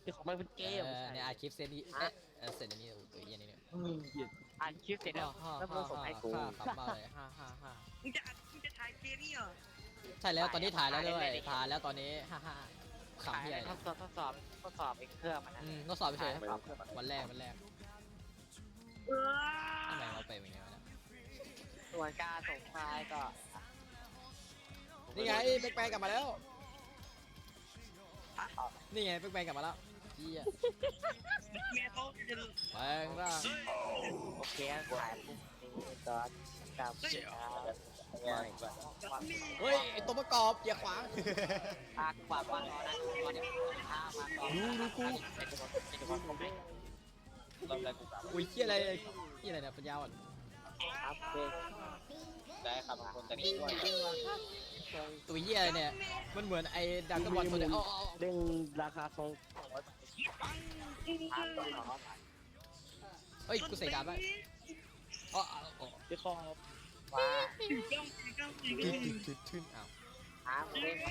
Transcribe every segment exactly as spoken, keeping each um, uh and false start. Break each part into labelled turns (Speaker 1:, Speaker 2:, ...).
Speaker 1: ที่ของมันเป็นเกม
Speaker 2: เนี่ยอาคลิปเซนนี้เอ๊ะเซนนี้ตัวเย็นนี่เนี่ย
Speaker 1: อ่านคลิปเสร็จแล้วแล้วมึงส่งให้กู
Speaker 2: ฆ่าขำมากเลยฮ่าฮ่าฮ่า
Speaker 3: มึงจะอัดมึงจะถ่ายเกมนี่เหรอ
Speaker 2: ใช่แล้วตอนนี้ถ่ายแล้วด้วยถ่ายแล้วตอนนี้ฮ่าฮ่าขำ
Speaker 1: ขาย
Speaker 2: ที่ไหน
Speaker 1: ทดสอบทดสอบทดสอบไอ้เครื่องมันนะ
Speaker 2: อืมต้องสอบไปเฉย
Speaker 1: ทดสอบเครื่องมัน
Speaker 2: วันแรกวันแรก
Speaker 3: เออ
Speaker 2: ทำไมเราไปอย่างเงี้ยวะ
Speaker 1: ส่วนการส่งไฟล์ก็
Speaker 2: นี่ไงแบ็คแปลงกลับมาแล้วนี่ไงแบ็คแปลงกลับมาแล้วเจี๊ย
Speaker 3: เมียโตจะ
Speaker 2: แปลงร่าง
Speaker 1: โอเคถ่ายปุ๊บนี่ก็กับ
Speaker 2: เฮ้ยไอตัวประกอบอย่าขวาง
Speaker 1: ภาคความว่างรอนะตอนนี้ภาคมาก่อนดูดูกูเป็นคนเป็นคนผมให้ตอนแรกกูกลับ
Speaker 2: อุ้ยเหี้ยอะไรเหี้ยอะไรเนี่ยปัญญาอ่อน
Speaker 1: ครับเด็กได้ครับคนแต่นี้ด้วย
Speaker 2: ตัวเหี้ยอะไรเนี่ยมันเหมือนไอ้ดักกระบอลตัวเดียวอ๋อ
Speaker 1: เด้งราคาทรงสองร้อยถามต้องขอ
Speaker 2: เฮ้ยกูใส่การ์ดไว้อ๋ออ๋อ
Speaker 1: ที่คอว่า
Speaker 3: ถือกล้องถือกล้องถือกล้
Speaker 2: ขึ้
Speaker 3: อน ง
Speaker 2: ขึ้นขึ้นอ้าว
Speaker 1: ถามเด้ง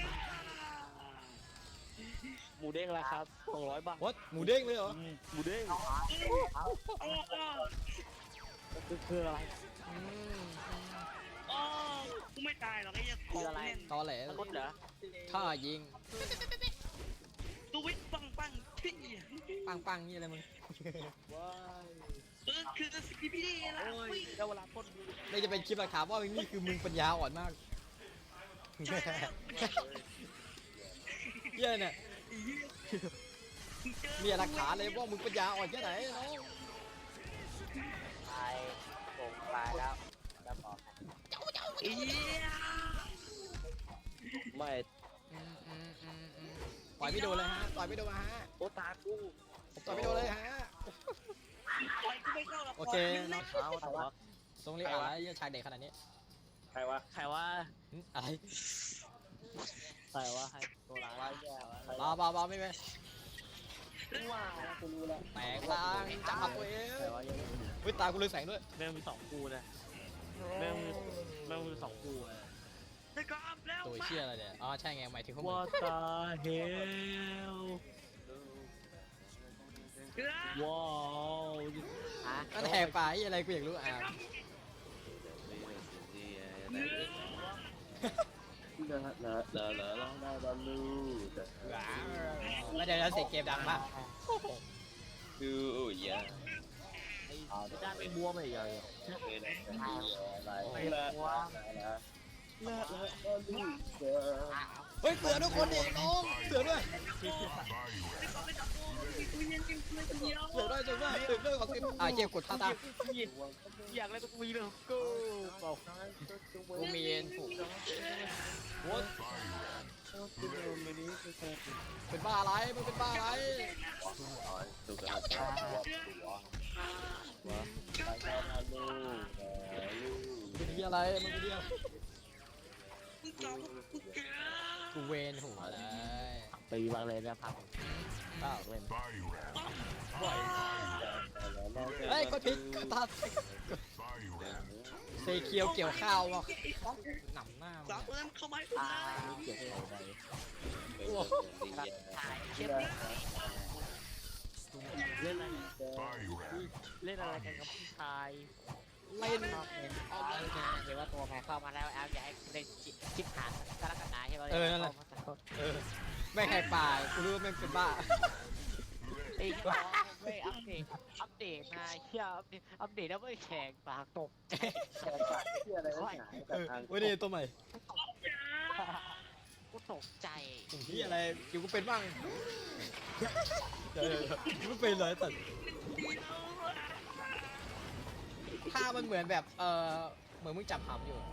Speaker 1: หมูเด้งราคาสองร้อยบาท
Speaker 2: วัดหมูเด้งเลยเหรอ
Speaker 1: หมูเด้ง
Speaker 3: โอ้โอ้
Speaker 1: คือคืออะไร
Speaker 2: อืม
Speaker 3: โอ้กูไม่ตายหรอกไอ้ยังข
Speaker 1: คือ อง อะไร
Speaker 3: แน่น
Speaker 2: ตอแหล
Speaker 1: มนุษย์เหรอ
Speaker 2: ท่ายิง
Speaker 3: ตูวิทปังปังพี่
Speaker 2: ปังปังนี่อะไรมึง
Speaker 1: ว้าย
Speaker 3: เออคือสกิปปี้ดีละ
Speaker 1: โอ้ยแล้วเวลาพ่น
Speaker 2: นี่จะเป็นคลิปหลักฐานว่านี่คือมึงปัญญาอ่อนมากเหี้ยเนี่ยมีหลักฐานเลยว่ามึงปัญญาอ่อนแค่ไหนน้อง
Speaker 1: ตายส่งตายแล้วแล้วบอก
Speaker 3: เอีย
Speaker 1: ไม่
Speaker 2: อืมอืมอืมอืมต่อยไม่โดนเลยฮะต่อยไม่โดนมาฮะ
Speaker 1: โอตากู
Speaker 2: ผมต่อยไม่โดนเลยฮะ
Speaker 3: ปล่อยกูไม่เข้าหรอก
Speaker 2: โอเค
Speaker 3: น้
Speaker 2: น้
Speaker 3: อ
Speaker 2: อง ง
Speaker 1: เท้าแต่ว่า
Speaker 2: ทรงเรียกอะไรยังชายเด็กขนาดนี้
Speaker 1: ใครวะใครวะ
Speaker 2: หึอะไร
Speaker 1: ใครวะใครตัวร้ายแย่วะ
Speaker 2: บ้าบ้าบ้าไม่เป็น
Speaker 1: ว่ากูรู้แล้ว
Speaker 2: แตกล่างจับตัวเอง
Speaker 1: ใครวะยังไม่รู้
Speaker 2: เฮ้ยตากูเลยแสงด้วย
Speaker 1: แม่งมีสองกูนะแม่งมีแม่งมีสองกูนะ
Speaker 3: จะกลับแล้ว
Speaker 2: ตัวเชี่ยอะไรเนี่ยอ๋อใช่ไงหมายถึงพวกมึง
Speaker 1: What the hell
Speaker 3: เออ
Speaker 1: ว้าวฮะ
Speaker 2: มันแหกปากไอ้อะไรกูอยากรู้อ่ะ
Speaker 1: เนอะเนอะเนอะเนอะลองได้บอลลูน
Speaker 2: ว้าวแล้วเดี๋ยวเราเสียงเกมดังมาก
Speaker 1: ดูเยอะด้านไม่บัวไม่ใหญ่อะไรไม่ละบัวละละละบอลลูน
Speaker 2: เฮ้ยเสือทุกคนดิน้องเสือด้วย
Speaker 3: ไม่ขอไปจับกูมีกูยังกินกูคนเดียว
Speaker 2: เสือด้วยเสือด้วยเสือด้วยขอสิบอ่ะเกมกดท่าตาม
Speaker 1: อยากเล่นกูมีเลยกูบอก
Speaker 2: กูมีเอ็นผูกโว้ยเป็นบ้าอะไรมึงเป็นบ้าอะไร
Speaker 1: ถูกแล้วจ้าว้าไปกันลูกลูก
Speaker 2: เป็นที่อะไรมึงเป็นที่อะไร
Speaker 3: มึงจับกูเกลือ
Speaker 2: กูเวนหัวเลย
Speaker 1: ไปวางเลยนะพัง
Speaker 2: เปล่า
Speaker 1: เล่น
Speaker 2: เฮ้ยกดผิดกดตัดเซเคียวเกี่ยวข้าวว่ะหนำหน้า
Speaker 3: สาวตัวนั้นเข้ามาให้ผม
Speaker 1: ตา
Speaker 3: ได้
Speaker 1: เกี่ยวกับอะไร
Speaker 3: ถ่ายคลิป
Speaker 1: เล่นอะไรเล่นอะไรกันกับพี่ชาย
Speaker 2: เล่น
Speaker 1: ชอบเล่นอ๋อเห็นว่าตัวแม่เข้ามาแล้วแอลอยากให้เล่นชิปหางกรกฎาใช่ไหม
Speaker 2: เออนั่นแหละเออแม่งแหกปากกูรู้ว่าแม่งเป็นบ้า
Speaker 1: ไอ้ก็ไม่อัปเดตอัปเดตมาเชี่ยอัปเดตอัปเดตแล้วไม่แข่งปากตบแข่งปากเชี่ยอะไรวะ
Speaker 2: เออวันนี้ตัวใหม่
Speaker 1: กูตกใจ
Speaker 2: ที่อะไรอยู่กูเป็นบ้างเดี๋ยวเดี๋ยวกูเป็นเลยแต่ถ้ามันเหมือนแบบเออเหมือนมึงจับหำอยู่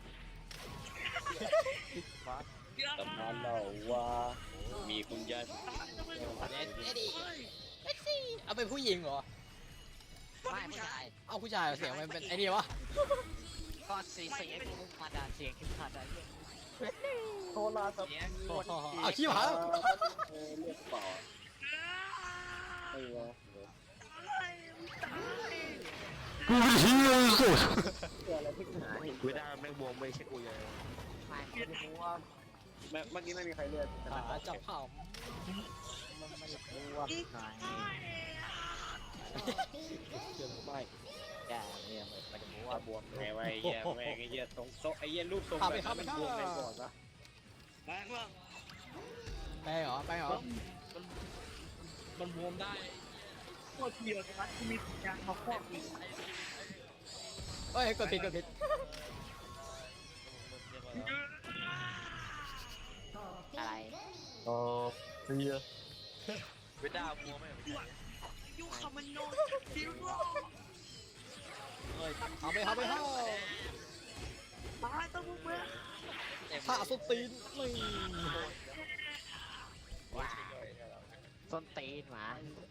Speaker 1: ตำนานเราว่ามีคุณยาย
Speaker 2: เอ็ดเอ็ดดี้เอ็ดซี่เอาเป็นผู้หญิงเหรอ
Speaker 1: ไม่ผู้ชาย
Speaker 2: เอาผู้ชายเสียงมันเป็นไอ้นี่วะ
Speaker 1: ก็เสียงเสียงขึ้นมาด่าเสียงขึ้นมาด่าโทรศัพท์
Speaker 2: โอ้โหเอาขี้หมา
Speaker 1: เรียกต่อไอ้วะ
Speaker 2: กูเป็นเฮียสุด
Speaker 1: เกิดอะไรขึ้นหาเวลาแม่งบวมไม่ใช่กูยังไม่ไม่รู้ว่าเมื่อกี้ไม่มีใครเลือก
Speaker 2: หาจับห
Speaker 1: มันไม่รู้ว่าวบหน่อยเชื่อไม่แย่เนี่ยมันจะบอกว่าบวม
Speaker 4: ไงวะไอ้เหี้ยแม่งไอ้เหี้ยทรงโซไอ้เหี้ยรูปทรง
Speaker 2: เข้า
Speaker 4: แบ
Speaker 2: ไป
Speaker 4: บ
Speaker 2: เข้าไป
Speaker 4: มัน
Speaker 2: เข้า
Speaker 4: บวมในก่อนวะ
Speaker 3: แรงว่ะ
Speaker 2: ไปเหรอไปเหรอ
Speaker 1: มันบวมได้
Speaker 3: โคตรเดียวนะที่มีสัญญาณมาครอบอีก
Speaker 2: เฮ้ยกดผิดกดผิด
Speaker 1: อะไรโอ้เฮียเวด้าบวมไหม
Speaker 3: ยูคามันโนดิวโร่
Speaker 2: เอาไปเอาไปเข้า
Speaker 3: ตายต้องมึงเว้ย
Speaker 2: ท่าสุดตีนนี่
Speaker 1: ส้นตีนหมา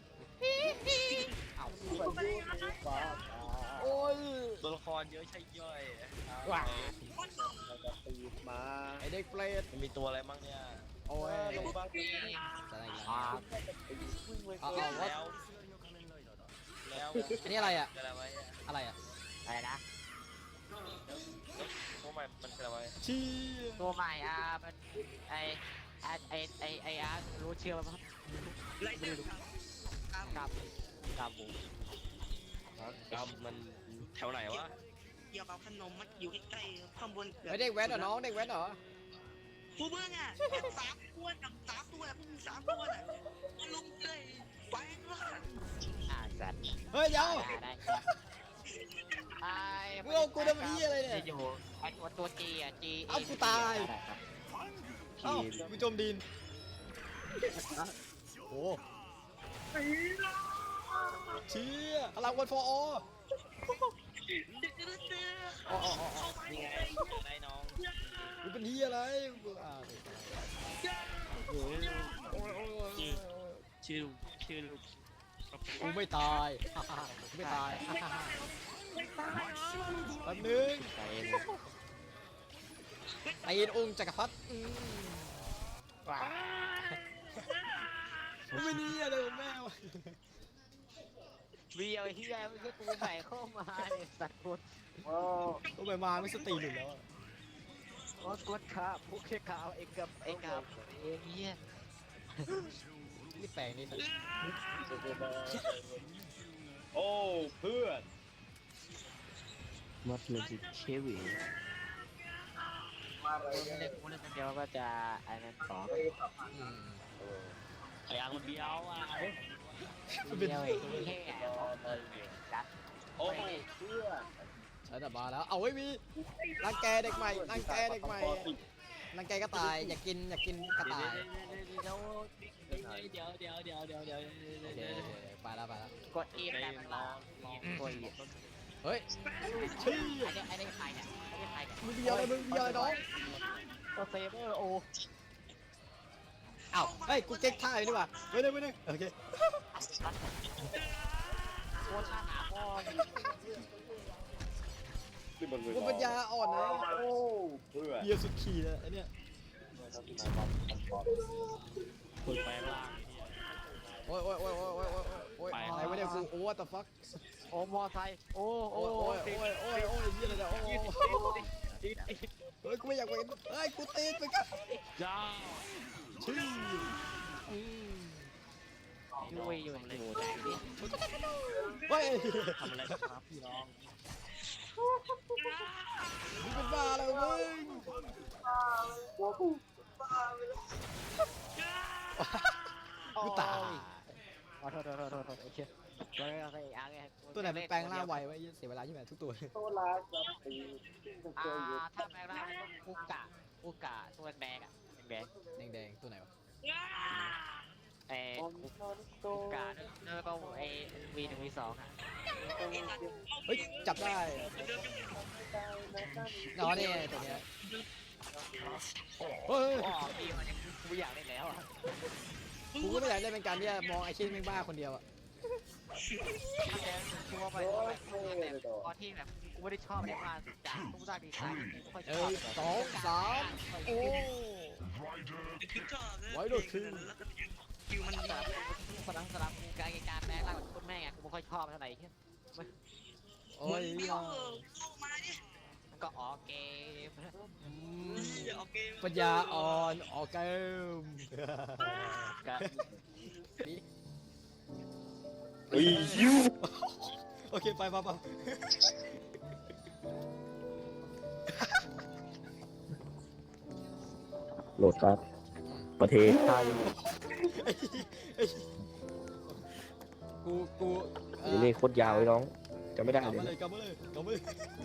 Speaker 2: โอ้ย
Speaker 1: ตัวละครเยอะใช่ย่อย
Speaker 2: ว้า
Speaker 4: เราจะตีมา
Speaker 2: ไอเด็กเปรต
Speaker 1: มันมีตัวอะไรบ้างเนี่ย
Speaker 2: โอ้ย
Speaker 4: ลงบ้างตี
Speaker 2: อะไรอีก
Speaker 1: อ่า
Speaker 2: เอาเอาวัด
Speaker 1: แล้วแล้ว
Speaker 2: อันนี้อะไรอ่ะ
Speaker 1: อะไรไว้
Speaker 2: อะไรอ่ะ
Speaker 1: อะไรนะตัวใหม่มันคืออะไร
Speaker 2: ชี้
Speaker 1: ตัวใหม่อ่ะมันไอไอไอไอไออาร์รู้เชื่อมั้ย
Speaker 3: ไรเดอร์ครับ
Speaker 1: กับกับบูกับมันแถวไหนวะ
Speaker 3: เกี่ยวกับขนมมันอยู่ใกล้ๆข้างบน
Speaker 2: ไอเด็กแว้นเหรอน้องเด็กแว้นเหรอ
Speaker 3: ฟูเบิ้งอ่ะสามตัวกับสามตัวพวกมึงสามตัวน่ะมาลุมเลยไปว่า
Speaker 1: อ่าสัตว์
Speaker 2: เฮ้ยเดี๋ยว
Speaker 1: ได้ไอ้
Speaker 2: มึงเอากูทำเหี้ยอะไรเนี่ย
Speaker 1: ที่อยู่ไอตัวตัวจีอ่ะจี
Speaker 2: เอากูตาย เอ้ากูจมดินโอ้เชี่ยพลังวันฟอร์ออ
Speaker 3: เด็กเด็กเด็ก
Speaker 2: อ๋ออ๋ออ๋อ
Speaker 3: เข้าไป
Speaker 1: นี่ไง
Speaker 3: เลย
Speaker 1: ได้น้อง
Speaker 2: กูเป็นเฮียอะไรกูอ่า
Speaker 1: ชื่อชื่อ
Speaker 2: กูไม่ตาย ฮ่าฮ่ากูไม่ตายฮ่าฮ่าฮ่า
Speaker 3: ไม่ตายเหรอ
Speaker 2: แป๊บนึง
Speaker 1: ใจเย็น
Speaker 2: ตีนองค์จักรพรรดิอืม
Speaker 1: ว้า
Speaker 2: กูไม่เนียเลยแม่วะ
Speaker 1: วีเอาเฮียไม่ใช่ตัวใหม่เข้ามาเนี่ยสัตว์คุณ
Speaker 2: ตัวใบมาไม่สติหนึ่งแล้วอะ
Speaker 1: โอ้กดขาพวกแค่ขาวเองกับเองกับเองเฮีย
Speaker 2: นี่แปลงนี่สัตว์
Speaker 4: โอ้เพื่อน
Speaker 1: มัดเลยสิเชวีไม่ได้พูดเล่นคนเดียวก็จะไอ้นั่นสอง
Speaker 2: อืม
Speaker 1: ไอ้ยังมันเบี้ยวอ่ะ
Speaker 2: มันเป็น
Speaker 1: เบี้ยวไอ้เหี้ยจัด
Speaker 4: โอ้เพื่อน
Speaker 2: ฉันจะมาแล้ว เอาไว้มีรังแกเด็กใหม่รังแกเด็กใหม่รังแกก็ตาย อยากกินอยากกินกระต่าย
Speaker 1: เดี๋ยวเดี๋ยวเดี๋ยวเดี๋ยวเดี๋ยว
Speaker 2: โอเคโอเคไปแล้วไปแล้ว
Speaker 1: กดอีกแต่มันรอตัวอีก
Speaker 2: เฮ้ยชี้
Speaker 1: ไอ้เนี่ยไอ้เนี่ยใครเนี่ยไอ้เนี่ยใครเนี่ย
Speaker 2: มึงเบียร์อะไรมึงเบียร์อะไรน้อง
Speaker 1: ตัวเซเบอร์โอ้
Speaker 2: เอ้าเฮ้ยกูเก๊กท่าอยู่นี่หว่าไม่ได้ไม่ได้โอเค
Speaker 1: โคตรหาพ่อ
Speaker 4: ขึ้นบนมือ
Speaker 2: กูปัญญาอ่อนนะ
Speaker 4: โอ้เพื่อน
Speaker 2: เบียร์สุดขีดเลยไอเนี่ย
Speaker 1: คุยไปล่าง
Speaker 2: โอ้ยโอ้ยโอ้ยโอ้ยโอ้ยโอ้ยโอ้ยอะไรวะเนี่ยกูโอ้ what the fuck
Speaker 1: โอ้มอไซค์โอ้
Speaker 2: โอ้
Speaker 1: โอ้
Speaker 2: ยโอ้ยโอ้ยโอ้ยโอ้ยเยี่ยอะไรเนี่ยโอ้ยเฮ้ยกูไม่อยากเป็นเฮ้ยกูตีนไปกัน
Speaker 1: จ้า
Speaker 2: ชี้อืม
Speaker 1: ยุยอยู่อยู่ไหนดิ
Speaker 2: เฮ้ย
Speaker 1: ทำอะไรครับพี่น้อง
Speaker 2: มึงเป็นบ้าอะไรวะมึงกูตาย
Speaker 1: ขอโทษโทษโทษโทษโทษโอเคตัวนี้เราใส่อ่างไง
Speaker 2: ตัวไหนมันแปลงร่างไวไว้เสียเวลาที่ไหนทุกตัว
Speaker 4: โซลาจะตี
Speaker 1: อ่าถ้าแปลงร่างอุกะอุกะตัวแดงอ่ะแดง
Speaker 2: แดงๆตัวไหนวะ
Speaker 1: เอออุกะแล้วก็เอวีหนึ่งวีสองอ่ะ
Speaker 2: เฮ้ยจับได้นอนเนี่ยตัวเนี้ยเฮ้ย
Speaker 1: อ๋อพี่มันยังกูอยากได้แล้วอ่ะ
Speaker 2: กูก็ไม่อยากได้เป็นการที่จะมองไอ้ชิ้นแม่งบ้าคนเดียวอะ
Speaker 1: ถ้าแกชัวร์ไปตอนที่แบบกูไม่ได้ชอบอะไรมากจากตู้สร้างดีไซน์กูไม่ค่อยช
Speaker 2: เอ้
Speaker 1: อบ
Speaker 2: ยสองสามโอ้
Speaker 3: คือชอบเลย
Speaker 2: ไว้โดดคือ
Speaker 3: คิวมัน
Speaker 1: ส
Speaker 3: ดี
Speaker 1: ลับสลับสลับกูการการแปลงร่างกับคุณแม่ไงกูไม่ค่อยชอบเท่าไหร่ที่
Speaker 2: โอ้
Speaker 3: มัน
Speaker 2: ย
Speaker 3: เบี้ยวเออเข้ามาดิ
Speaker 1: มันก็ออกเกม
Speaker 2: อืม
Speaker 3: โอเค
Speaker 2: ปัญญาอ่อนออกเกม
Speaker 1: ก็
Speaker 2: นี่
Speaker 4: เฮ้ยยู
Speaker 2: โอเคไปไปไป
Speaker 1: โหลดครับประเทศไทย
Speaker 2: กูกูเอ่อ
Speaker 1: นี่โคตรยาวเลยน้องจะไม่ได้
Speaker 2: กลับ
Speaker 1: เลย
Speaker 2: มาเลยกลับมาเลยกลับมาเลย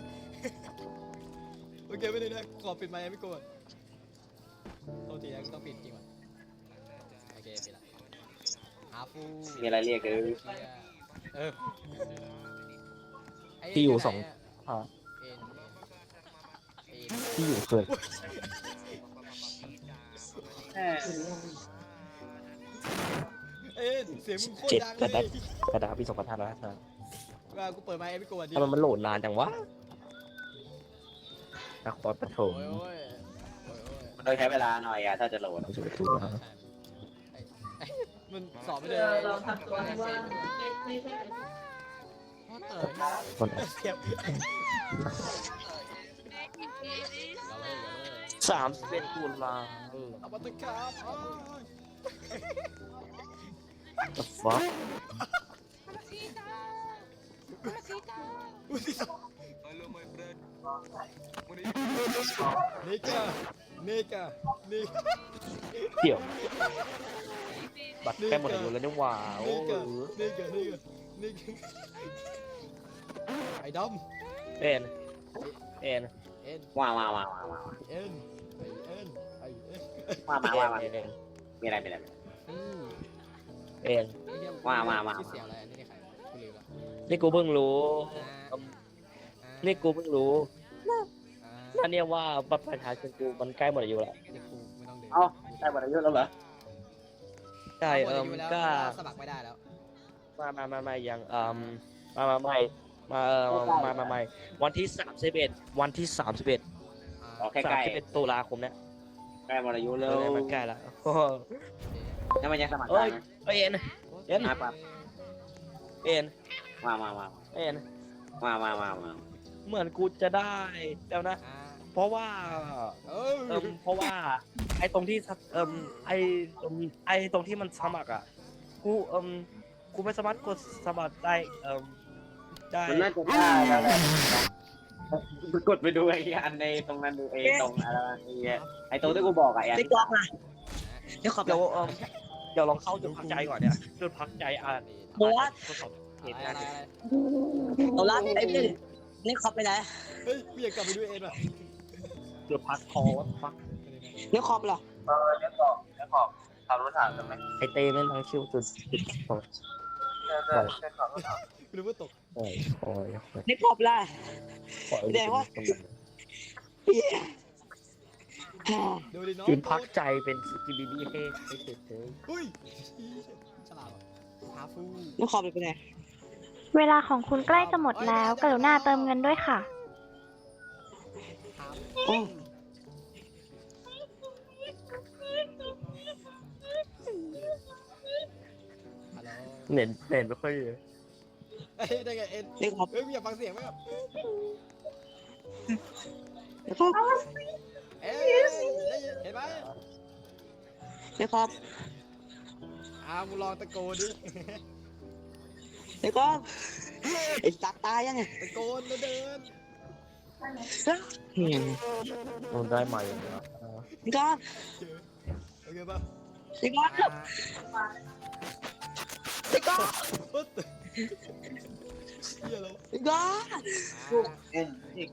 Speaker 2: โอเคไม่ได้นะขอปิดไมค์ไม่กดโทษทีนะต้องปิดจริงว่ะโอเคปิดละอาฟู
Speaker 4: มีอะไรเรียกเออ
Speaker 2: เชียเออไ
Speaker 1: ที่อยู่สอง
Speaker 2: ไหนะ
Speaker 1: อ่า
Speaker 2: เอ็นเอ็น
Speaker 1: ที่อยู่เกิน
Speaker 2: เอ็นเสียงมึงโคตร
Speaker 1: เจ็ด
Speaker 2: ดัง
Speaker 1: กระ
Speaker 2: เล
Speaker 1: ดาษ
Speaker 2: ย
Speaker 1: กระดาษปีสองพันห้าร้อยห้าสิบ
Speaker 2: ว่ากูเปิดไมค์ไม่กดดิ
Speaker 1: ทำไมมันโหลดนานจังวะนักบอลปฐ
Speaker 2: โอ้
Speaker 1: ม
Speaker 2: ยโอ้ยโอ้ยโอ้ย
Speaker 4: มันต้องใช้เวลาหน่อยอะถ้าจะโหลด
Speaker 1: เราจะไปถูกนะ
Speaker 2: ไอ้ไอ้มันสอบไม่ได้เราทำตัวว่าเต๋อ
Speaker 1: คน
Speaker 2: เสียบเราเลย
Speaker 1: สามสิบเอ็ดตุลาเออ
Speaker 2: เอาบัตรครับอ้าว
Speaker 1: the fuck
Speaker 2: นี่กะนี่กะนี่
Speaker 1: เดี๋ยวบัตรใกล้หมดอายุแล้วนี่หว่าโอ้
Speaker 2: นี่
Speaker 1: โห
Speaker 2: กะนี่กะนี่กะนี่กะไอ้ด
Speaker 1: เอ็นเอ็น
Speaker 2: ำเอ็น
Speaker 4: ว้าวว้าวว้าวว้าวว้าว
Speaker 2: เอ็นไอ้เอ็นไอ้เอ็น
Speaker 4: ว้าวว้าวว้าว
Speaker 1: เอ็น
Speaker 4: มีอะไรมีอะไร
Speaker 2: อืม
Speaker 1: เอ็น
Speaker 4: ว่าว่าว่า
Speaker 2: ชื่อเสียงอะไรอันนี้ใครกูลืมละ
Speaker 1: นี่กูเพิ่งรู้
Speaker 2: อ่า
Speaker 1: อืม
Speaker 2: อ่า
Speaker 1: นี่กูเพิ่งรู้
Speaker 2: อ่า
Speaker 1: ถ้าเนี่ยว่าบัตรประชาชนกูมันใกล้หมดอายุแล้ว
Speaker 2: เด็กกูไม่ต้องเดิน
Speaker 4: เอ้าได้หมดอายุแล้วเหรอ
Speaker 1: ใช่
Speaker 2: หมด
Speaker 1: เอิ
Speaker 2: อาม ยุแล้ว
Speaker 1: ก็
Speaker 2: สมัครไม่ได้แล้ว
Speaker 1: มามามามาอย่างเอิมมามาใหม่มาเอ่อมามาใหม่วันที่สามสิบเอ็ดวันที่สามสิบเอ็ด
Speaker 2: อ่า
Speaker 4: อ๋อแค่
Speaker 1: สา
Speaker 4: ใก
Speaker 1: ม
Speaker 4: ล้
Speaker 1: สิบเอ็ดตุลาคมเนี่ย
Speaker 4: ใกล้หมดอายุ
Speaker 1: เอ
Speaker 4: แล้
Speaker 1: อ
Speaker 4: ว
Speaker 1: มันใกล้แล้วโอ้โห
Speaker 4: แล้วมันยังสมัคร
Speaker 1: เอ้
Speaker 4: ได้
Speaker 1: ย
Speaker 4: ไหม
Speaker 1: เอ็น เอ็น
Speaker 4: มาปะ
Speaker 1: เอ็น
Speaker 4: มามามา
Speaker 1: เอ็น
Speaker 4: มามามามา
Speaker 1: เหมือนกูจะได้แล้วนะ
Speaker 2: อ่า
Speaker 1: เพราะว่า
Speaker 2: เออ
Speaker 1: เอิมเพราะว่าไอ้ตรงที่สเอิมไอ้ตรงไอ้ตรงที่มันสมัครอ่ะกูเอิมกูไม่สามารถกดสมัครได้เอิมได้
Speaker 4: มันน่าจะได้แล้วแหละกดไปดูไอ้อันในตรงนั้นดูไอ้ตรงอะไรไอ้ไอ้ตรงที่กูบอกอะไอ้อัน
Speaker 3: ไม่กล้องอ่ะเดี๋ยวขอแบ
Speaker 1: เดี๋ย
Speaker 3: บ
Speaker 1: วเอิมเดี๋ยวลองเข้าจุดพักใจก่อนเนี่ยจุดพักใจอ่ะ
Speaker 3: โบ๊ท
Speaker 1: ทดสอบเห
Speaker 2: อะไร
Speaker 1: ตุ
Speaker 2: อะ
Speaker 1: การ
Speaker 2: ไร
Speaker 1: ณ์
Speaker 2: อะไร
Speaker 3: เอาละไอ้พี่นี่ขอบไปไหน
Speaker 2: เฮ้ยกูอยากกลับไปดูเอ็นว่ะ
Speaker 1: จุดพักคอวัดฟัก
Speaker 3: นี่ขอบเหรอ
Speaker 4: เออเดี๋ยวบอกเดี๋ยวบอกถามรถถามกันไหม
Speaker 1: ไอเต้ไม่ตั้งชื่อจุดจุดคอ
Speaker 4: เดี๋ยวเดี๋ยวเดี๋ยวถามรถถาม
Speaker 2: กูนึกว่าตก
Speaker 1: โอ้ยโอ้ยโอ้ย
Speaker 3: นี่ขอบละ
Speaker 1: โอ้ย
Speaker 3: แสดงว่า
Speaker 2: ดูดิน้อง
Speaker 1: จุดพักใจเป็นสกิบิดี้เฮ้ไม่เฉยเฉย
Speaker 2: เฮ้ยฉลาดว่ะฮาฟู
Speaker 3: นี่ขอบไปไหน
Speaker 5: เวลาของคุณใกล้จะหมดแล้ว กรุณาเติมเงินด้วยค่ะ
Speaker 2: ฮา
Speaker 3: โอ้
Speaker 2: ฮัลโหล
Speaker 1: เน็ตเน็ตไม่ค่อยดี
Speaker 2: เฮ้ยได้ไงเอ็น
Speaker 3: นี่ขอบ
Speaker 2: เฮ้ยมึงอยากฟังเสียงไหมครับ
Speaker 3: นี่ขอบ
Speaker 2: เอ้ยได้ยินเห็นไหม
Speaker 3: นี่ขอบ
Speaker 2: อ่ามึงลองตะโกนดิ
Speaker 3: นี่ขอบไอ้สัตว์ตายยังไง
Speaker 2: ตะโกนแล้วเดิน
Speaker 1: มันได้ใหม่เลยนะ
Speaker 3: นี่ขอบ
Speaker 2: โอเคป่ะ
Speaker 3: นี่ขอบนี่ขอบ
Speaker 2: ปึ๊ดเฮียแล้ว
Speaker 3: นี่ขอบ
Speaker 4: เอ็นอีก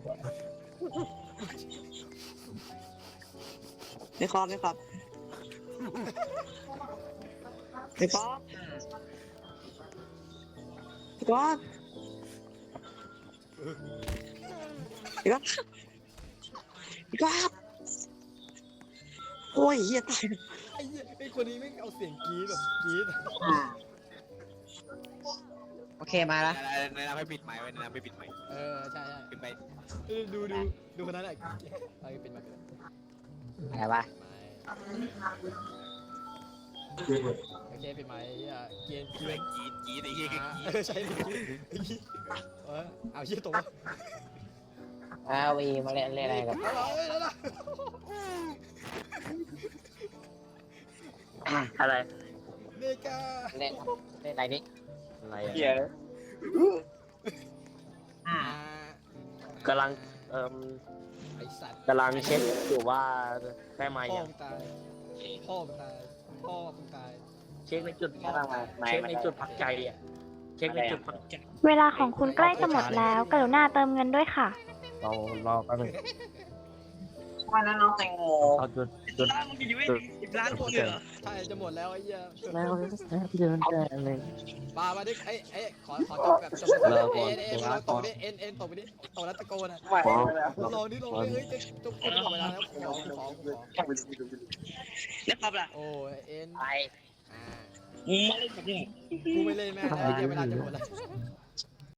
Speaker 3: นี่ขอบนี่ขอบนี่ขอบนี่ขอบนี่ขอบนี่ขอบโอ้ยเฮียตาย
Speaker 2: ไอ้เหี้ยไอ้คนนี้ไม่งเอาเสียงกรี๊ดแบบกรี๊ด
Speaker 3: โอเคมาละ
Speaker 6: แนะนำให้ปิดไมค์ไว้แนะนำให้ปิดไมค์
Speaker 2: เออใช่ใช่
Speaker 6: ปิดไมค์
Speaker 2: เออดูดูดูคนนั้นอ่ะเออเป็นมาเป็น
Speaker 3: อะไรวะ
Speaker 2: โอเคเป็นไม้อ่ะเกียนเกีย
Speaker 6: แม่
Speaker 2: น
Speaker 6: งกรีดกรีดไอ้เหี้ย
Speaker 2: อ่าก
Speaker 6: รีด
Speaker 2: เออใช่เมื่อกี้เมื่อกี้เออเอาเชี่ยตกมา
Speaker 3: อาวีมาเล่นเล่นอะไรกับ
Speaker 2: เอาเอาเอาเอา
Speaker 1: อะไร
Speaker 2: เมกา
Speaker 3: เล่นเล่นอะไรนี่
Speaker 1: อะไร
Speaker 4: เหี้ย
Speaker 1: อ่ะ
Speaker 2: อ่าก
Speaker 1: ำลังเอ่ม
Speaker 2: ไอสัตว์
Speaker 1: กำลังเช็คอยู่ว่าใช่ไหม
Speaker 2: พ่อ
Speaker 1: ยัง
Speaker 2: มึงตายพ่อมึงตายพ่อมึงตาย
Speaker 1: เช็คในจุด
Speaker 4: ไม่ต้องมาไม่
Speaker 1: เช็ค
Speaker 4: ไม่
Speaker 1: ในจุดพักใจอ่ะเช็คในจุดพักใจ
Speaker 5: เวลาของคุณใกล้จะหมดแล้ว กรุณาเติมเงินด้วยค่ะ
Speaker 1: เรารอแป๊บนึง
Speaker 3: มาแล้วน้องแตงโม
Speaker 1: เอาจุดจุด
Speaker 3: ร้านมึงอยู่ไม่สิบล้านคนเลยเหรอ
Speaker 2: ใช่จะหมดแล้วไอ้เหี้ย
Speaker 1: แล้วเดินแต่เลย
Speaker 2: มามาดิไอ้ไอ้ขอขอจบแบบจบเอ็นเอ็นเราตบดิเอ็นเอ็นตบไปดิตบแล้วตะโกนอ่ะ
Speaker 4: ไม่ไม่แล้ว
Speaker 2: ลองดิลองดิเฮ้ยจะจบจบเวลาแล้วขอขอขอ
Speaker 3: แล้วครับล่ะ
Speaker 2: โอ้ยเอ็น
Speaker 4: ไป
Speaker 2: อ่า
Speaker 3: มึงมาเล่นกับนี่
Speaker 2: กูไม่เล่นแม่แล้วเวลาจะหมดแล้ว